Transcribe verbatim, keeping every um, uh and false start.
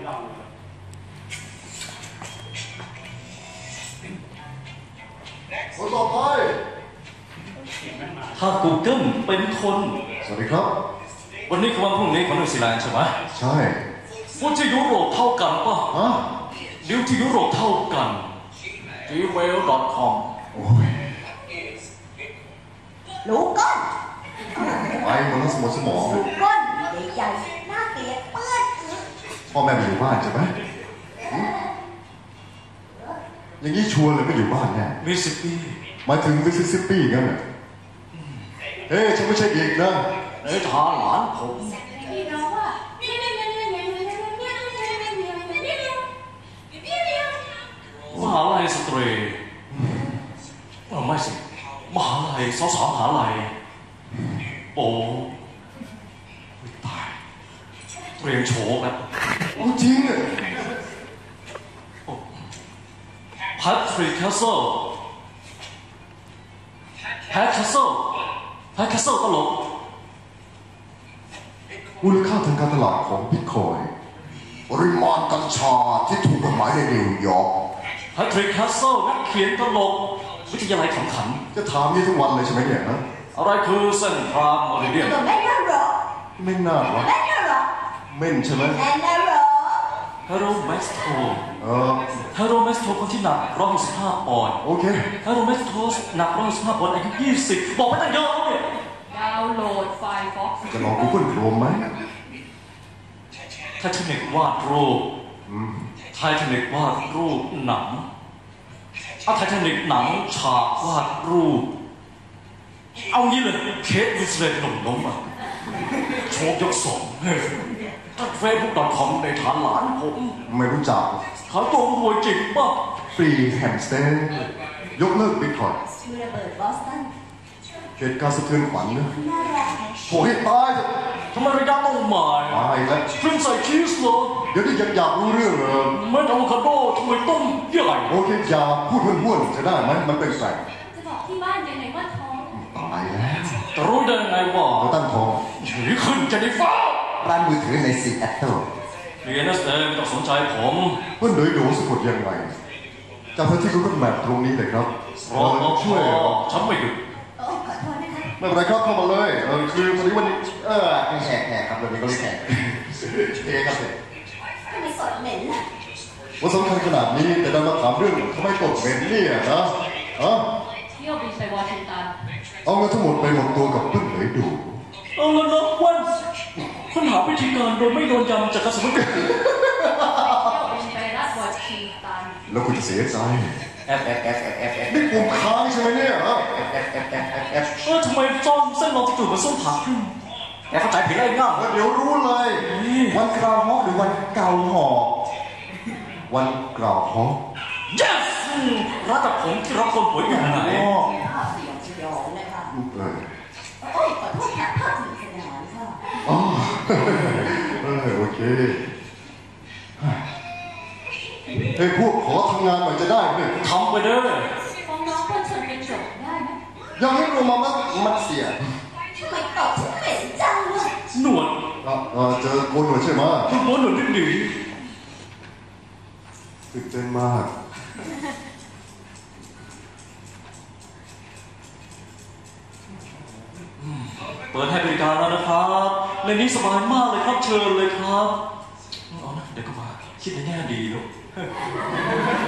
คนต่อไปถ้า Google เป็นคนสวัสดีครับวันนี้คือวันพรุ่งนี้ของนิวซีแลนด์ใช่ไหมใช่ว่าที่ยุโรปเท่ากันป่ะฮะดิวที่ยุโรปเท่ากัน จี เมล ดอท คอมโอ้ยรู้ก้นไปมันต้องสมองสมองรู้ก้นใหญ่ๆน่าเกลียดเปื้อนพ่อแม่ไปอยู่บ้านใช่ไหมอย่างนี้ชัวร์เลยไม่อยู่บ้านแน่มิสซิสซิปปีมาถึงมิสซิสซิปปีงั้นน่ะเฮ้ยฉันไม่ใช่เด็กนะเอ้ยทาหลานผมมหาลัยสตรีไม่สิมหาลัยสาวสาวมหาลัยโอ้ตายเรียนโฉกแล้วจริงอ่ะแพทริกแคสเซิลแพทแคสเซิลแพทแคสเซิลตลกมูลค่าทางการตลาดของบิตคอยน์ปริมาณกัญชาที่ถูกกฎหมายในนิวยอร์กแพทริกแคสเซิลนักเขียนตลกวิทยาลัยขำขันจะถามนี่ทุกวันเลยใช่ไหมเนี่ยนะอะไรคือเส้นทรามมอริเดียนไม่น่าหรอไม่น่าหรอไม่น่าหรอเม่นใช่ไหมไม่น่าหรอเฮโรแมสโตเออเฮโรแมสโตคนที่หนักร้อยหกสิบห้าปอนด์โอเคเฮโรแมสโตหนักร้อยหกสิบห้าปอนด์อายุยี่สิบบอกไม่ตั้งเยอะเนี่ยดาวน์โหลดไฟล์ Fox จะลอง Google Chrome ไหมไททานิกวาดรูปไททานิกวาดรูปหนังเอาไททานิกหนังฉากวาดรูปเอางี้เลยเคสวิสเลตหนุ่มล้มอ่ะโชคยกสองเฟซบุ๊ก ดอท คอม ในฐานหลานผมไม่รู้จักขายตัวรวยจริงป่ะฟรีแฮมสเตอร์ยกเลิกบิตคอยน์ชื่อระเบิดบอสตันเหตุการณ์สะเทือนขวัญนะโหให้ตายเถอะทำไมระยะต้องมาตายแล้วฟิล์มใส่ชีสเหรอเดี๋ยวนี้ยังอยากรู้เรื่องเหรอไม่อะโวคาโดทำไมต้มใหญ่โอเคอย่าพูดห้วนๆจะได้ไหมมันเป็นแสงจะบอกที่บ้านยังไงว่าท้องตายแล้วจะรู้ได้ไงวะเราตั้งท้องหรือขึ้นจะได้ฟ้าร้านมือถือในซีแอตเทิลเรียนนักเรียนไม่ต้องสนใจผมเพื่อนโดยดูสะกดยังไงจากที่คุณก็แมปตรงนี้เลยครับรอช่วยฉันไม่หยุดไม่เป็นไรครับเข้ามาเลยเออคือพอดีวันนี้เออแขกแขกครับวันนี้ก็เลยแขกเอ๊ครับเลยทำไมสดเหม็นล่ะว่าสำคัญขนาดนี้แต่ดันมาถามเรื่องทำไมตกเหม็นเนี่ยนะฮะเที่ยวบินไปวอชิงตันเอาเงินทั้งหมดไปหมดตัวกับเพื่อนเลยดูเอาแล้วนะวันค้นหาวิธีการโดยไม่โดนยำจากกระสุนเที่ยวบินไปรัฐวอชิงตันแล้วคุณจะเสียใจเอฟเอฟเอฟเอฟเอฟเอฟนี่ปุ่มค้างใช่ไหมเนี่ยฮะเอฟเอฟเอฟเอฟเอฟเออทำไมจอมเส้นลองจะจุดมาส้มผักแกเข้าใจผิดอะไรง่ายเดี๋ยวรู้เลยวันกราวฮอกหรือวันเกาหอกวันกราวฮอก yes รัฐผมที่รับคนป่วยอยู่ไหนภาพสยองสยองนะคะโอ้ยขอโทษค่ะภาพสยองสยองค่ะอ๋อเออโอเคเฮ้ยพวกขอทำงานหน่อยจะได้ไหมทำไปเด้อฟ้องน้องคนชนเป็นจบได้ไหมยังไม่รู้มามันมันเสียทำไมตอบฉันเหม็นจังเลยหนวดเออเจอโกนหนวดใช่ไหมโกนหนวดนิดหนึ่งตื่นเต้นมากเปิดให้บริการแล้วนะครับในนี้สบายมากเลยครับเชิญเลยครับอ๋อเดี๋ยวก็มาคิดในแง่ดีลูก